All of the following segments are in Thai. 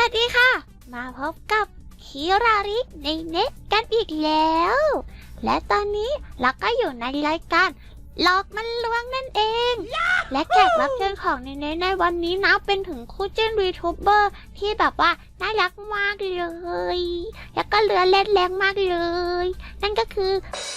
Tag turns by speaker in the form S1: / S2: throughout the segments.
S1: วัสดีค่ะมาพบกับคิราริในเน็ตกันอีกแล้ว และตอนนี้เราก็อยู่ในรายการหลอกมันลวงนั่นเอง และแขกรับเชิญของในเน็ตในวันนี้นะเป็นถึงคู่จิ้นวีทูเบอร์ที่แบบว่าน่ารักมากเลยแล้วก็เรือเล่นแรงมากเลยนั่นก็คือ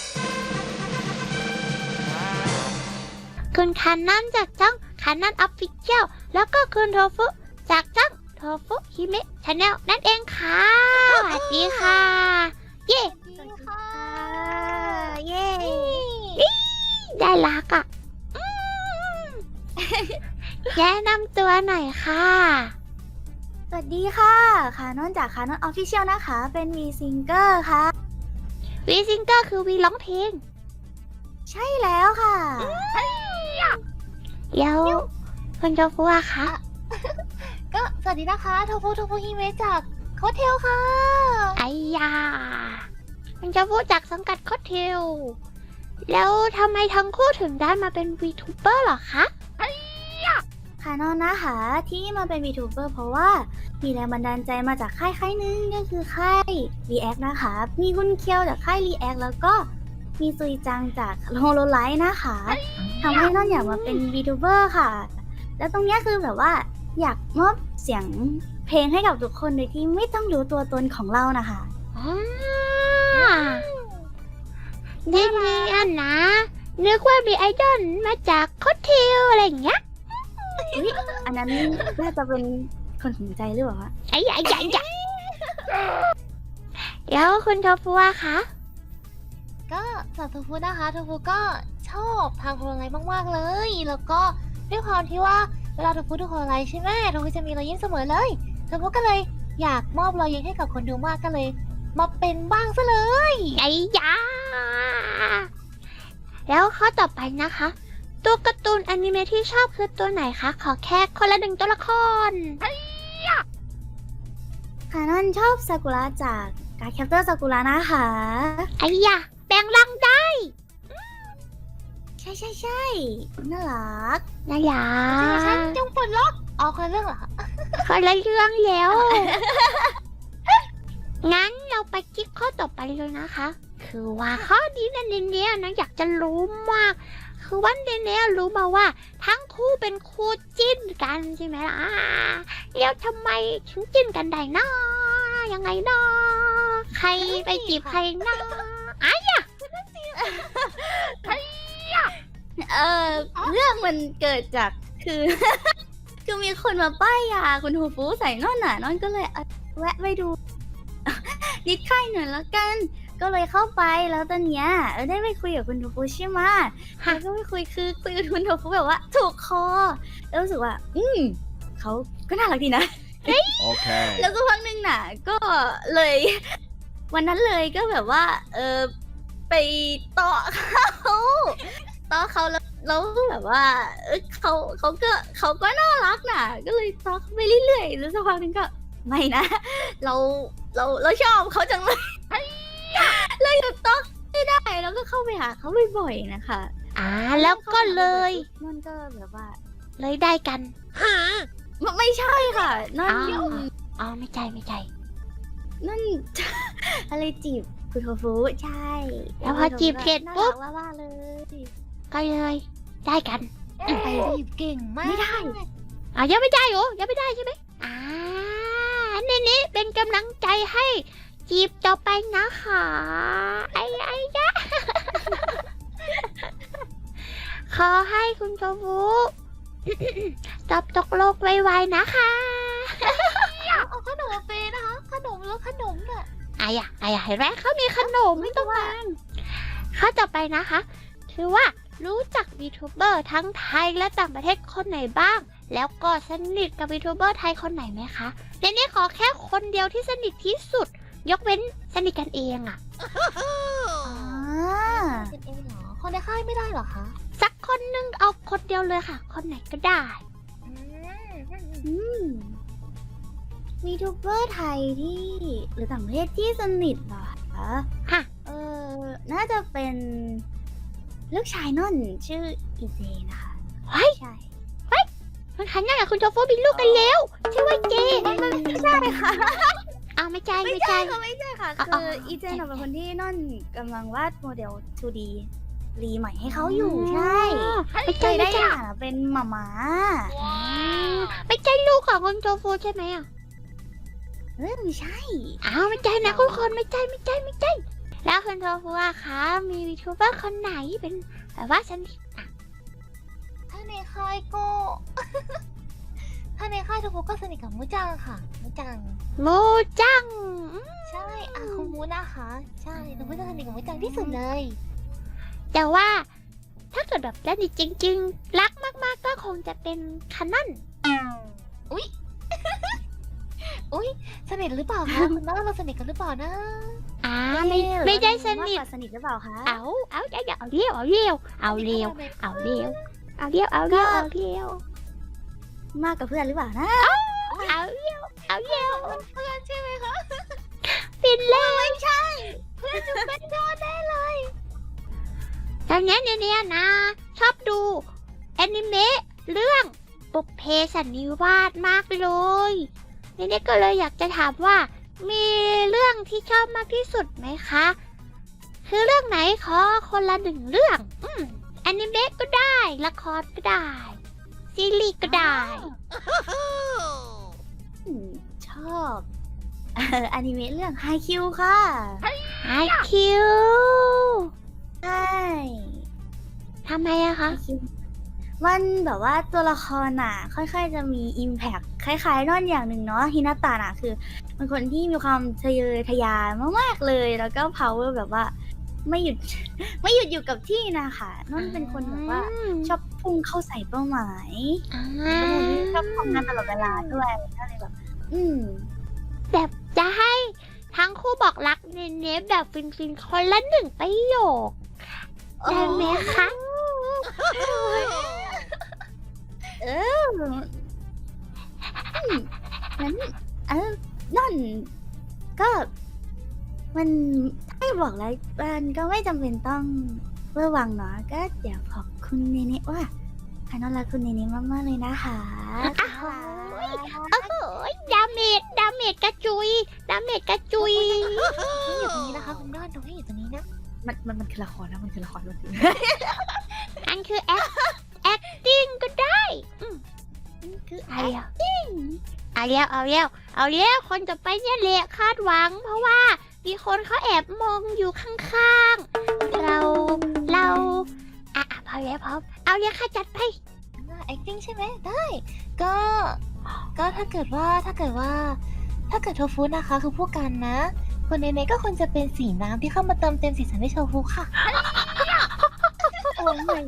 S1: คุณคานันจากช่องคานันออฟฟิเชียลแล้วก็คุณโทฟุจากช่องโทฟุฮิเมะชาแนลนั่นเองค่ะสวัสดีค่ะเย้สวัสดีค่ะเย้ได้รักอ่ะแนะนำตัวหน่อยค่ะ
S2: สวัสดีค่ะคานอนจากคานอนออฟฟิเชียลนะคะ เป็นวีซิงเกอร์ค่ะ
S1: วีซิงเกอร์คือวีร้องเพลง
S2: ใช่แล้วค่ะ
S1: แล้วคุณโจฟัวคะ
S2: ก็สวัสดีนะคะโทฟุฮิเมะจากโคเทลค่ะ
S1: ไอ้ยาคุณโจฟัวจากสังกัดคอสเทลแล้วทำไมทั้งคู่ถึงได้มาเป็นวีทูเบอร์หรอคะ
S2: คานอนนะคะที่มาเป็น VTuber เพราะว่ามีแรงบันดาลใจมาจากค่ายหนึงก็คือค่าย React นะคะ มีคุณเคียวจากค่าย React แล้วก็มีซุยจังจาก Hololive นะคะทำให้นอนอยากมาเป็น VTuber ค่ะ แล้วตรงเนี้ยคือแบบว่าอยากมอบเสียงเพลงให้กับทุกคนโดยที่ไม่ต้องรู้ตัวตนของเรานะคะ
S1: นี่อันนะนึกว่ามีไอดอลมาจากคอสเทลอะไรอย่างเงี้ย
S2: อุ๊ยอันนั้นน่าจะเป็นคนสนใจหรือเปล่าคะ
S1: ไอ้ใหญ่แล้วคุณโทฟัวคะ
S3: ก็สำหรับโทฟุนะคะโทฟุก็ชอบทางโฮโลไลท์มากๆเลย แล้วก็ด้วยความที่ว่าเวลาโทฟุดูโฮโลไลท์ใช่ไหมโทฟุจะมีรอยยิ้มเสมอเลยโทฟุก็เลยอยากมอบรอยยิ้มให้กับคนดูมากก็เลยมาเป็นบ้างซะเลย
S1: ไอ้ยาแล้วข้อต่อไปนะคะ ตัวการ์ตูนอนิเมะที่ชอบคือตัวไหนคะขอแค่คนละหนึ่งตัวละคร
S2: คานอนชอบซากุระจากการแคปเตอร์ซากุระนะคะ
S1: ไอ้ยาแปลงร่างได้
S2: ใช่น่ารัก
S1: นะยา
S3: ฉันจงปลดล็อกเอาคนละเรื่องเหรอคะ
S1: คนละเรื่องแล้ว งั้นเราไปคลิกข้อต่อไปเลยนะคะ คือว่าข้อนี้เนี่ยนะอยากจะรู้มาก คือวันเนี่ยรู้มาว่าทั้งคู่เป็นคู่จิ้นกันใช่ไหมล่ะแล้วทำไมถึงจิ้นกันได้นะยังไงนะใครไปจีบใครนะไอ้ยะ
S2: เรื่องมันเกิดจากคือ คือมีคนมาป้ายยาคุณโทฟุใส่นอนน่ะนอนก็เลยแวะไปดู นิดค่ายหน่อยแล้วกัน ก็เลยเข้าไปแล้วตอนเนี้ยได้ไปคุยกับคุณโทฟุใช่ไหมแล้วก็ไปคุยกับคุณโทฟุแบบว่า ถูกคอแล้วรู้สึกว่า เขาก็น่ารักดีนะ
S4: Okay.
S2: แล้วก็พักหนึ่งน่ะ ก็เลย วันนั้นเลยก็แบบว่า ไปเตาะเขาแล้วแบบว่าเขาก็น่ารักน่ะ ก็เลยเตาะเขาไปเรื่อยๆแล้วสักพักหนึงก็ไม่นะ เราชอบเขาจังเลยเลยหยุดเตาะไม่ได้แล้วก็เข้าไปหาเขาบ่อยๆนะคะ
S1: แล้วก็เลย
S2: มันก็แบบว่า
S1: เลยได้กัน
S2: ไม่ใช่ค่ะนั่น
S1: อ๋อไม่ใช่
S2: นั่น อะไรจีบคุณโทฟุใช่
S1: แล้วพอจีบเสร็จปุ๊บ
S2: น่ารักว่าเลย
S1: ก็เลยได้กัน
S3: ไปรีบเก่งมาก
S2: ไม่ได้
S1: ยังไม่ได้เหรอยังไม่ได้ใช่ไหมนี่เป็นกำลังใจให้จีบต่อไปนะคะไอ้ยะ ขอให้คุณโจฟุ ตอบตกโลกไวๆนะคะ
S3: เอาขนมมาเปย์นะคะขนมแล้วขนมน่ะ
S1: ไอ้ยะเห็นไหมเขามีขนมไม่ต้องการข้อต่อไปนะคะถือว่ารู้จักวีทูเบอร์ทั้งไทยและต่างประเทศคนไหนบ้าง แล้วก็สนิทกับวีทูเบอร์ไทยคนไหนไหมคะในนี้ขอแค่คนเดียวที่สนิทที่สุด ยกเว้นสนิทกันเองอะ
S3: เป็นเองเหรอคนในค่ายไม่ได้เหรอคะ
S1: สักคนนึงเอาคนเดียวเลยค่ะ คนไหนก็ได้
S2: วีทูเบอร์ไทยที่หรือต่างประเทศที่สนิทเหรอคะ
S1: ค่ะ
S2: น่าจะเป็นลูกชายนั่นชื่ออีเจนะคะ
S1: เฮ้ย
S2: ใช่
S1: มันขันยังกับคุณโจโฟมีลูกกันแล้วใช่ว่าเจ
S2: ไม่ใช่ค่ะ
S1: เอาไม่ใช่
S2: ไม่
S1: ไม่
S2: ใช่
S1: ใช่
S2: ค่ะไม่ใช่ค่ะ
S1: อ๋อ
S2: คืออีเจนเป็นคนที่นอนกำลังวาดโมเดล 2D รีใหม่ให้เขาอยู่ใช่
S1: ไม่
S2: เค
S1: ใช่
S2: ย
S1: ไม่
S2: ได้
S1: ใช่
S2: อ่านเป็นหมา
S1: ไม่ใช่ลูกของคุณโทฟูใช่ไหมอ่ะ
S2: ไม่ใช่
S1: อ้าวไม่ใช่นะทุกคนไม่ใช่ไม่ใช่ไม่ใช่แล้วคุณโทฟูอะคะมีวีทูเบอร์คนไหนเป็นแบบว่าฉัน
S3: ถ้าในค่ายก็ ถ้าในค่ายทุกคนก็สนิทกับมูจังค่ะมูจัง
S1: โมจัง
S3: ใช่คุณมูนะคะ ใช่ทุกคนจะสนิทกับมูจังที่สุดเลย
S1: แต่ว่าถ้าเกิดแบบสนิทจริงๆ รักมากๆก็คงจะเป็นคานอน
S3: อุ้ย สนิทหรือเปล่าคะ คุณน้าเราสนิทกันหรือเปล่านะ
S1: ไม่ได้สนิท
S2: มากกว่าสนิทหรือเปล่าคะ
S1: เอาเรียวเอาเรียวเอาเรียวเอาเรียวเอาเรียวเอาเรียวเอาเรียว
S2: มากกว่าเพื่อนหรือเปล่านะ
S1: เอาเรียวเอาเรียว
S3: เพื่อนใช่ไหมคะ
S1: ฟินเลย
S3: ไม่ใช่ เพื่อนจะเป็นยอดแน่เลย
S1: ตอนนี้เนี่ยนะ ชอบดูแอนิเมะเรื่องปุพเพสันนิวาสมากเลยเนี่ยก็เลยอยากจะถามว่า มีเรื่องที่ชอบมากที่สุดไหมคะ คือเรื่องไหนขอคนละหนึ่งเรื่องแอนิเมะก็ได้ละครก็ได้ซีรีส์ก็ได้
S2: ชอบอนิเมะเรื่องไฮคิวค่ะ
S1: ไอคิว
S2: ใช่
S1: ทำไมอะคะ
S2: มันแบบว่าตัวละครน่ะ ค่อยๆจะมีอิมแพคคล้ายๆนอนอย่างหนึ่งเนาะฮินาตะน่ะคือเป็นคนที่มีความทะเยอทะยานมากๆเลย แล้วก็ power แบบว่าไม่หยุด ไม่หยุดอยู่กับที่นะคะนอนเป็นคนแบบว่าชอบพุ่งเข้าใส่เป้าหมาย เป็นคนที่ชอบทำงานตลอดเวลาด้วยก็เลยแบบ
S1: แบบจะให้ทั้งคู่บอกรักเน้นๆแบบฟินๆคนละหนึ่งประโยคได้ไหมคะ
S2: งั้นนั่นก็มันให้บอกแล้วมันก็ไม่จำเป็นต้องเวอร์วังเนาะก็เดี๋ยวบอกคุณเนเน่ว่าพานอนรักคุณเนเน่มากๆเลยนะคะ
S1: โอ้โหดาเมจกระจุยดาเมจกระจุย
S3: นี่อยู่ตรงนี้นะคะคุณน้อนตรงนี้อยู่ตรงนี้นะ
S2: มันคือละครนะมันคือละครมันคือ
S1: อันคือ acting ก็ได้คือacting เอาแล้วคนจะไปเนี่ยแหละคาดหวัง เพราะว่ามีคนเขาแอบมองอยู่ข้างๆเราพอแล้วพอเอาเลยค่ะจัดไป
S3: acting ใช่ไหมได้ ก็ถ้าเกิดโทฟูนะคะ คือพวกกันนะคนในก็ควรจะเป็นสีน้ำที่เข้ามาเติมเต็มสีสันให้โทฟูค่ะ
S2: โอ้ย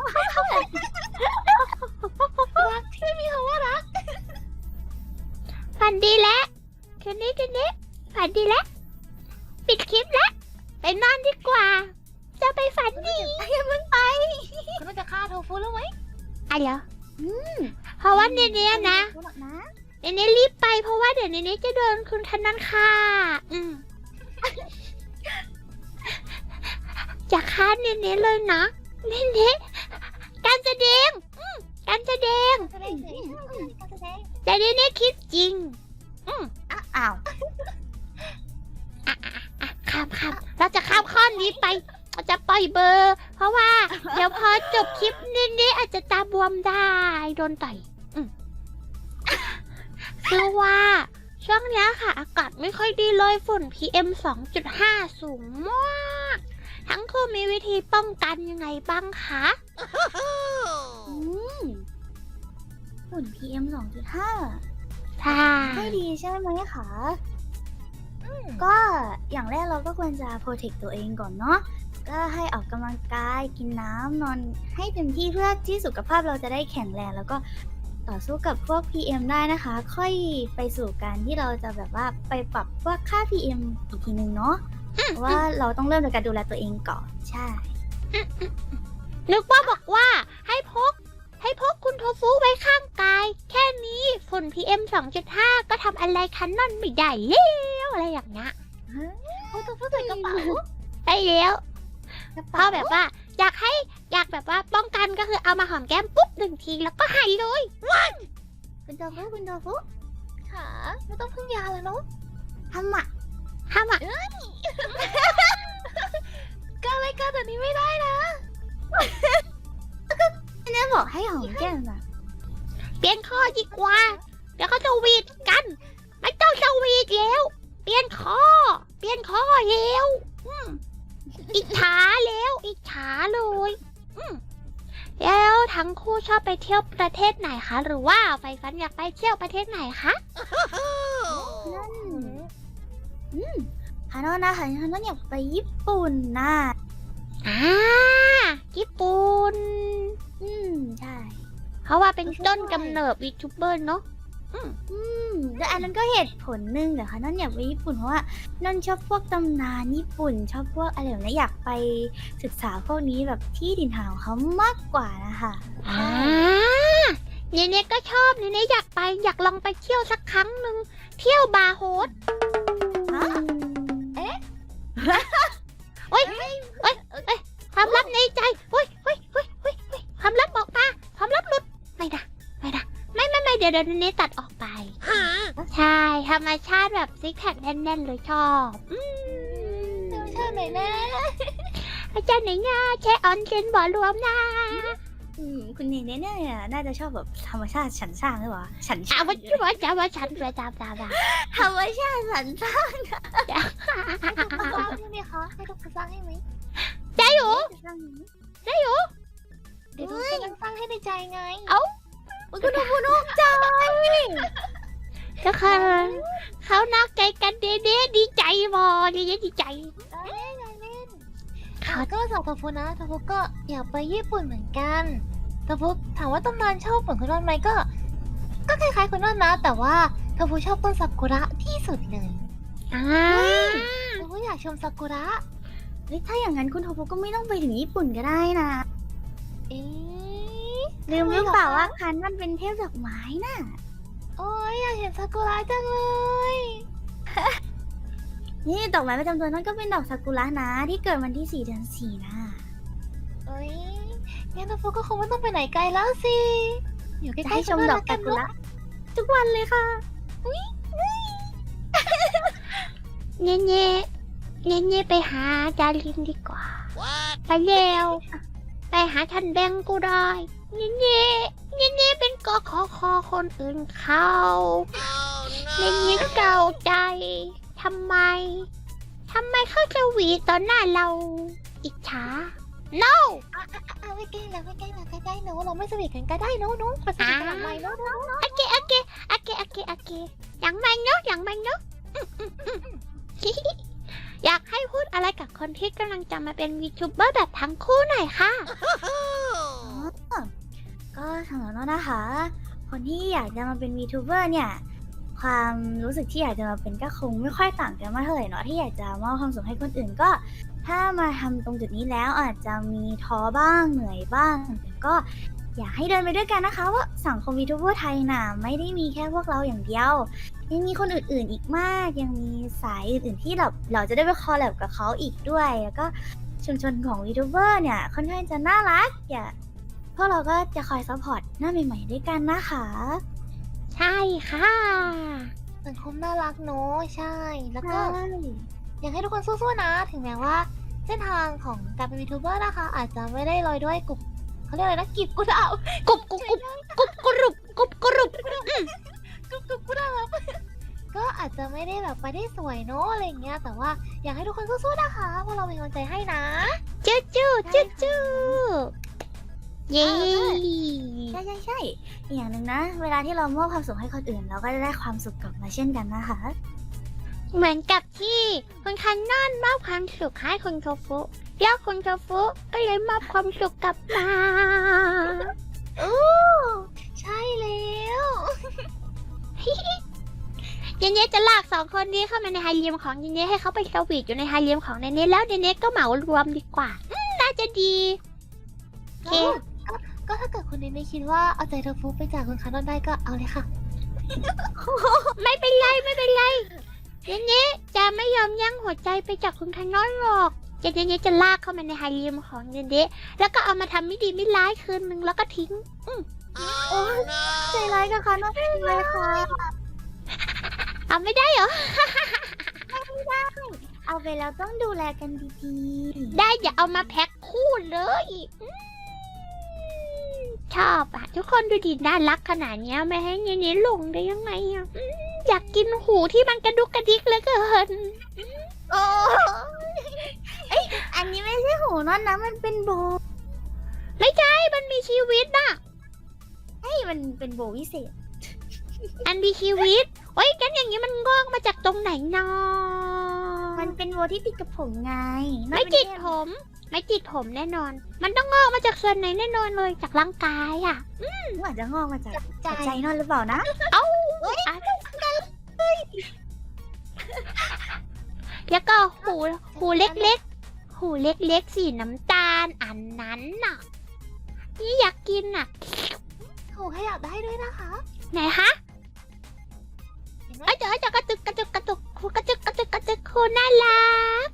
S3: รักที่มีคำว่ารัก
S1: ฝันดีแล้วคืนนี้ฝันดีแล้วปิดคลิปแล้วไปนอนดีกว่า จะไปฝันดี
S3: คุณจะฆ่าโทฟูแล้วไหม
S1: อะไรเหรอเพราะว่าเนี่ยนะเนี่ยรีบไปเพราะว่าเดี๋ยวเนี่ยจะโดนคุณธนันค่ะจะฆ่าเนี่ยเลยนะเนี่ยการแสดงแต่เนี่ยคิดจริง
S2: อ้าว
S1: ข้ามเราจะข้ามข้อนี้ไปเราจะปล่อยเบอร์ เพราะว่าเดี๋ยวพอจบคลิปนี้อาจจะตาบวมได้โดนต่อยคือว่าช่วงนี้ค่ะอากาศไม่ค่อยดีเลยฝุ่น PM 2.5 สูงมากทั้งคู่มีวิธีป้องกันยังไงบ้างคะ
S2: ฝุ่น PM 2.5
S1: ใช่
S2: ไม่ดีใช่ไหมคะก็อย่างแรกเราก็ควรจะโปรเทคตัวเองก่อนเนาะก็ให้ออกกำลังกายกินน้ำนอนให้เต็มที่เพื่อที่สุขภาพเราจะได้แข็งแรงแล้วก็ต่อสู้กับพวก PM ได้นะคะค่อยไปสู่การที่เราจะแบบว่าไปปรับพวกค่า PM อีกทีนึงเนาะเพราะว่าเราต้องเริ่มจากการดูแลตัวเองก่อนใช่
S1: นึกว่าบอกว่าให้พกคุณโทฟูไว้ข้างกายแค่นี้ฝุ่น PM 2.5 ก็ทำอะไรคันนั่นไม่ได้แล้วอะไรอย่างเงี้ย
S3: เขาจะพูดถึงกระเป๋า
S1: ไปแล้วเพราะแบบว่าอยากแบบว่าป้องกันก็คือเอามาหอมแก้มปุ๊บ1 ทีแล้วก็หายเลย
S2: คุณโทฟุ
S3: ค่ะค่ะไม่ต้องพึ่งยาแล้วเนาะ
S2: ทำอ่ะ
S1: ห้ามอ่ะ
S3: ก็อะไรกันแบบนี้ไม่ได้นะ
S2: แม่บอกให้หอมแก้มอ่ะ
S1: เปลี่ยนข้อดีกว่า เดี๋ยวเขาจะวีดกัน ไม่ต้องจะวีดแล้ว เปลี่ยนข้อแล้วอิจฉาแล้วอิจฉาเลยแล้วทั้งคู่ชอบไปเที่ยวประเทศไหนคะ หรือว่าไฟฟันอยากไปเที่ยวประเทศไหนคะ
S2: นั่นฮานอนนะคะฮานอนอยากไปญี่ปุ่นนะ
S1: ญี่ปุ่น
S2: ใช่
S1: เพราะว่าเป็นต้นกำเนิดวีทูเบอร์เนาะ
S2: แล้วอันนั้นก็เหตุผลหนึ่งแต่ค่ะนอนอยากไปญี่ปุ่นเพราะว่านอนชอบพวกตำนานญี่ปุ่น ชอบพวกอะไรแบบนี้อยากไปศึกษาพวกนี้แบบที่ถิ่นฐานของเขามากกว่านะคะ
S1: เนเน่ก็ชอบเนเน่อยากไปอยากลองไปเที่ยวสักครั้งหนึ่งเที่ยวบาร์โฮส ความลับในใจความลับออกมาความลับหลุดไม่เดี๋ยวเนตัดออกไปใช่ธรรมชาติแบบซิกแพคแน่นๆเลยชอบ
S3: ธรรมชาติไหนแน่
S1: อาจารย์ไหนง่าแช่ออนเซนบ่อรวมนะ
S2: คุณเนเน่เนี่ยน่าจะชอบแบบธรรมชาติฉันสร้างหรือเปล่าฉันสร้าง
S1: ว่าจะว่าฉันประจำ
S2: ธรรมชาติฉันสร้าง
S3: ให้ทุกคนสร้างให้ไหมคะให้ทุกคนสร้างให้ไหม
S1: ได้อยู่
S3: เดี๋ยวทุกคนสร้างให้ในใจไง
S2: คุณดูคุณอกใจ
S1: ก็คือเขานอกใจกันเด้ดีใจบอเด้ดีใจ
S3: ได้เล่นก็สาวทาฟุนะทาฟุก็อยากไปญี่ปุ่นเหมือนกันทาฟุถามว่าตำนานชอบเหมือนคุณนอนไหมก็คล้ายๆคุณนอนนะ แต่ว่าทาฟุชอบต้นซากุระที่สุดเลยทาฟุอยากชมซากุระ
S2: ถ้าอย่างนั้นคุณโทโปก็ไม่ต้องไปถึงญี่ปุ่นก็ได้นะ
S3: เอ๊ะ
S2: ลืมหรือเปล่าว่าคันมันเป็นเทพดอกไม้น่ะ
S3: โอ้ยอยากเห็นซากุระจังเลย
S2: นี่ดอกไม้ประจำตัวนั่นก็เป็นดอกซากุระนะที่เกิดวันที่ 4 เดือน 4นะ
S3: เอ้ยงั้นทาฟุก็คงไม่ต้องไปไหนไกลแล้วสิอยู่ใก
S2: จะ
S3: ล้
S2: ให้
S3: ๆ
S2: ชมดอกซากุระทุกวันเลยค่ะ
S1: เน่ไปหาดารินดีกว่าไปเร็วไปหาทันแบงกูได้เน่เป็นกขอคนอื่นเขาเน่เก่าใจทำไมเขาจะหวีตอนหน้าเราอิจฉา no
S3: ไม่ใกล้แล้วใกล้ๆเนอะเราไม่สนิทกันก็ได้เนอะไปสนิทกันหลังไมค์เนอะ
S1: โอเคอย่างมันเนาะอยากให้พูดอะไรกับคนที่กำลังจะมาเป็นวีทูเบอร์แบบทั้งคู่หน่อยค่ะ
S2: ก็สำหรับน้องนะคะ คนที่อยากจะมาเป็น VTuber เนี่ย ความรู้สึกที่อยากจะมาเป็นก็คงไม่ค่อยต่างกันมากเท่าไหร่เนาะที่อยากจะมอบความสุขให้คนอื่นก็ ถ้ามาทำตรงจุดนี้แล้วอาจจะมีท้อบ้างเหนื่อยบ้างแต่ก็อยากให้เดินไปด้วยกันนะคะว่าสังคม VTuber ไทยน่ะไม่ได้มีแค่พวกเราอย่างเดียวยังมีคนอื่นๆอีกมากยังมีสายอื่นๆที่เราจะได้ไปคอลแลบกับเขาอีกด้วยแล้วก็ชุมชนของ VTuber เนี่ยค่อนข้างจะน่ารักพวกเราก็จะคอยซัพพอร์ตหน้าใหม่ๆด้วยกันนะคะ
S1: ใช่ค่ะ
S3: สังคมน่ารักเนอะใช่ แล้วก็อยากให้ทุกคนสู้ๆนะ ถึงแม้ว่า เส้นทางของการเป็นวีทูเบอร์นะคะ อาจจะไม่ได้ลอยด้วยเขาเรียกอะไรนะกิบกุดาว
S1: กรุบกรุบ
S3: กุดาวก็อาจจะไม่ได้แบบไปได้สวยเนอะอะไรอย่างเงี้ยแต่ว่าอยากให้ทุกคนสู้ๆนะคะเพราะเราเป็นกำลังใจให้นะ
S1: จู้เย้
S2: ใช่อีกอย่างหนึ่งนะ เวลาที่เรามอบความสุขให้คนอื่น เราก็จะได้ความสุขกลับมาเช่นกันนะคะ
S1: เหมือนกับที่คุณคันนอนมอบความสุขให้คุณโทฟุแล้วคุณโทฟุก็เลยมอบความสุขกลับมา
S3: ใช่แล้ว
S1: เนเน่จะลากสองคนนี้เข้ามาในไฮเลียมของเนเน่ให้เขาไปสวีทอยู่ในไฮเลียมของเนเน่แล้วเนเน่ก็เหมารวมดีกว่าน่าจะดีโอเค
S3: ก็ถ้าเกิดคุณเนเน่คิดว่าเอาใจเธอฟุกไปจากคุณคานอนได้ก็เอาเลยค่ะ
S1: ไม่เป็นไรเนเน่จะไม่ยอมยั้งหัวใจไปจากคุณคันนอนหรอกเนเน่จะลากเข้ามาในไฮเลียมของเนเน่แล้วก็เอามาทำไม่ดีไม่ร้ายคืนนึงแล้วก็ทิ้ง
S2: โอ้ยใจร้ายกับค่ะน้องเลยค่ะ
S1: เอาไม่ได้เหรอ
S2: เอาไปแล้วต้องดูแลกันดี
S1: ได้อย่าเอามาแพ็คคู่เลยชอบอ่ะ ทุกคนดูดิน่ารักขนาดเนี้ยไม่ให้เนี้ยหลงได้ยังไงอ่ะอยากกินหูที่มันกระดุกกระดิกเหลือเกิน
S2: ๆ โอ้เอ้ยอันนี้ไม่ใช่หูนอนนะมันเป็นโบ
S1: ไม่ใช่มันมีชีวิตน่ะ
S2: เฮ้ยมันเป็นโบวิเศษ
S1: อันมีชีวิตโอ้ยกันอย่างนี้มันงอกมาจากตรงไหนนอ
S2: มันเป็นโบที่ติดกับผมไง
S1: ไม่ติดผม ไม่ติดผมแน่นอน มันต้องงอกมาจากส่วนไหนแน่นอนเลยจากร่างกายอ่ะ
S2: อาจจะงอกมาจาก
S3: ใจ
S2: ใจนอนหรือเปล่านะ
S1: แล้วก็หูเล็กๆ หูเล็กๆสีน้ำตาลอันนั้นน่ะ นี่อยากกินน่ะ
S3: หูขยับได้ด้วยนะคะ
S1: ไหนคะ
S3: เห็นไหม
S1: เอ้ยเดี๋ยวกระตุกหูกระจึกหูน่ารัก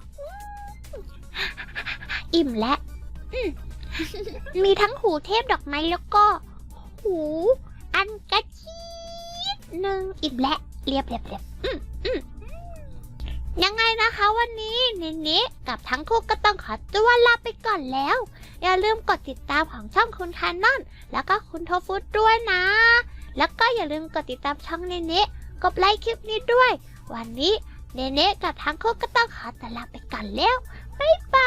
S1: อิ่มแล้วมีทั้งหูเทพดอกไม้แล้วก็ หูอันกระชีดหนึ่งอิ่มแล้วเรียบยังไงนะคะวันนี้เนเน่กับทั้งคู่ก็ต้องขอตัวลาไปก่อนแล้ว อย่าลืมกดติดตามของช่องคุณคานอนแล้วก็คุณโทฟุตด้วยนะ แล้วก็อย่าลืมกดติดตามช่องเนเน่กดไลค์คลิปนี้ด้วย วันนี้เนเน่กับทั้งคู่ก็ต้องขอตัวลาไปก่อนแล้วบ๊ายบาย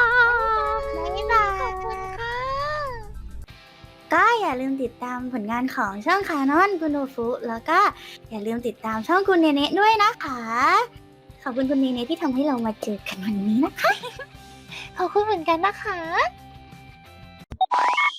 S3: ขอบคุณค่ะ
S2: ก็อย่าลืมติดตามผลงานของช่องคานอนคุณโนฟุแล้วก็อย่าลืมติดตามช่องคุณเนเน่ด้วยนะคะ ขอบคุณคุณเนเน่ที่ทำให้เรามาเจอกันวันนี้นะคะ
S3: ขอบคุณเหมือนกันนะคะ